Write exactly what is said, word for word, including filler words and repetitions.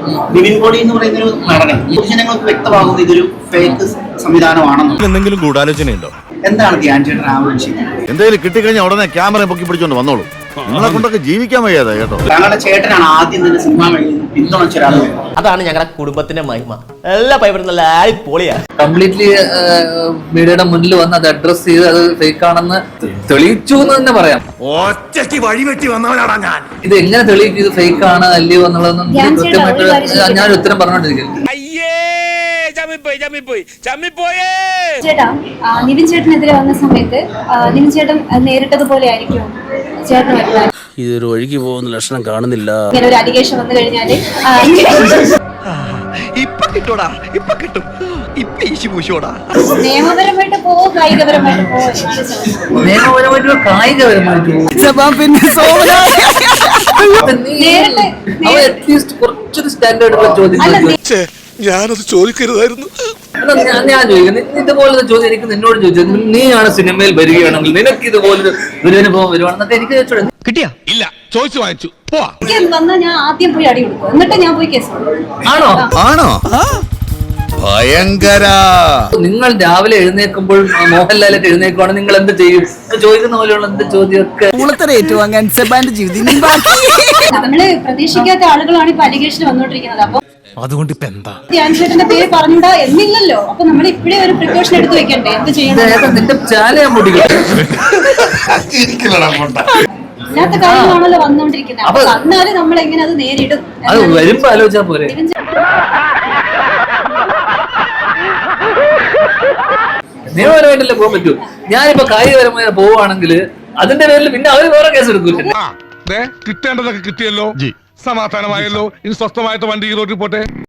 Nivin poly എന്ന് പറയുന്ന ഒരു നടനെ പൊതുജനങ്ങൾക്ക് വ്യക്തമാകുന്ന ഇതൊരു ഫേക്ക് സംവിധാനമാണെന്ന്. എന്തെങ്കിലും ഗൂഢാലോചനയുണ്ടോ? എന്താണ് ധ്യാൻ ചേട്ടൻ ആവശ്യം? എന്തെങ്കിലും കിട്ടിക്കഴിഞ്ഞാൽ ഉടനെ ക്യാമറ പൊക്കി പിടിച്ചോണ്ട് വന്നോളൂ. നിങ്ങളെ കൊണ്ടൊക്കെ ജീവിക്കാൻ വയ്യാതെ കേട്ടോ. താങ്കളുടെ ചേട്ടനാണ് ആദ്യം തന്നെ സിനിമ മേഖലയിൽ പിന്തുണച്ച ഒരാൾ. അതാണ് ഞങ്ങളുടെ കുടുംബത്തിന്റെ മഹിമ. എല്ലാ പൈപ്പറും നല്ല പൊളിയാ. കംപ്ലീറ്റ്ലി മീഡിയയുടെ മുന്നിൽ വന്ന് അത് അഡ്രസ് ചെയ്ത് അത് ഫേക്ക് ആണെന്ന് തെളിയിച്ചു എന്ന് തന്നെ പറയാം. ഒറ്റയ്ക്ക് വഴിവെട്ടി വന്നവനാടാ ഞാൻ. ഇത് എങ്ങനെ തെളിയിക്കും ഇത് ഫേക്ക് ആണ് അല്ലയോ എന്നുള്ളതൊന്നും കൃത്യമായിട്ട് ഞാൻ ഉത്തരം പറഞ്ഞോണ്ടിരിക്കുന്നു. ചേട്ടാ, നിവിൻ ചേട്ടനെതിരെ വന്ന സമയത്ത് നിവിൻ ചേട്ടൻ നേരിട്ടതുപോലെ ആയിരിക്കും ചേട്ടൻ വരുന്നത്. ഇതൊരു ഒഴുകി പോകുന്ന ലക്ഷണം കാണുന്നില്ല. ഇങ്ങനെ ഒരു അലിഗേഷൻ വന്നു കഴിഞ്ഞാല് ഇപ്പൊ കിട്ടൂടാ, ഇപ്പൊ കിട്ടും, ഇപ്പൊ ഈശി പൂശോടാ. നിയമപരമായിട്ട് പോവോ കായികപരമായിട്ട് പോവോ? നിയമപരമായിട്ടോ കായികപരമായിട്ടോ അറ്റ്ലീസ്റ്റ് കുറച്ചൊരു സ്റ്റാൻഡേർഡ് ചോദ്യം ഞാനത് ചോദിക്കരുതായിരുന്നു. ഞാൻ ചോദിക്കുന്നു, ഇതുപോലത്തെ ചോദ്യം എനിക്ക് നിന്നോട് ചോദിച്ചത്, നീയാണ് സിനിമയിൽ വരികയാണെങ്കിൽ നിനക്ക് ഇതുപോലൊരു ദുരനുഭവം വരുവാണെന്നൊക്കെ എനിക്ക് ചോദിച്ചോളൂ. കിട്ടിയാ ഇല്ല, ചോദിച്ചു വാങ്ങിച്ചു പോവാ. വന്നാൽ ഞാൻ ആദ്യം പോയി അടി കൊടുക്കും, എന്നിട്ട് ഞാൻ പോയി കേസ് കൊടുക്കും. ആണോ ആണോ ഭയങ്കര. നിങ്ങൾ രാവിലെ എഴുന്നേൽക്കുമ്പോൾ മോഹൻലാലൊക്കെ എഴുന്നേൽക്കുവാണെങ്കിൽ നിങ്ങൾ എന്ത് ചെയ്യും? ചോദിക്കുന്ന പോലെയുള്ള എന്ത് ചോദ്യമൊക്കെ ഏറ്റുവാങ്ങാൻ നമ്മള് പ്രതീക്ഷിക്കാത്ത ആളുകളാണ് ഇപ്പൊ അലിഗേഷൻ വന്നോണ്ടിരിക്കുന്നത്. അപ്പൊ അതുകൊണ്ട് ഇപ്പൊ എന്താ ധ്യാൻ ചേട്ടന്റെ പേര് പറഞ്ഞൂടാ എന്നില്ലല്ലോ. അപ്പൊ നമ്മൾ ഇപ്പഴേ ഒരു പ്രിക്കോഷൻ എടുത്ത് വെക്കണ്ടേ? എന്ത് ചെയ്യണം? നിന്റെ ചാലയാൻ മുടിക്കും ഇല്ലാത്ത കാര്യങ്ങളാണല്ലോ വന്നോണ്ടിരിക്കുന്നത്. അപ്പൊ എന്നാലും നമ്മൾ എങ്ങനെ അത് നേരിടും? അത് വരുമ്പോ ആലോചിച്ചാ പോരെ. നിയമപരമായിട്ടല്ലേ പോകാൻ പറ്റൂ. ഞാനിപ്പോ കായികപരമായി പോവുകയാണെങ്കിൽ അതിന്റെ പേരിൽ പിന്നെ അവര് വേറെ കേസ് എടുക്കൂല. കിട്ടേണ്ടതൊക്കെ കിട്ടിയല്ലോ, സമാധാനമായല്ലോ. ഇനി സ്വസ്ഥമായിട്ട് വണ്ടി റോഡിൽ പോട്ടെ.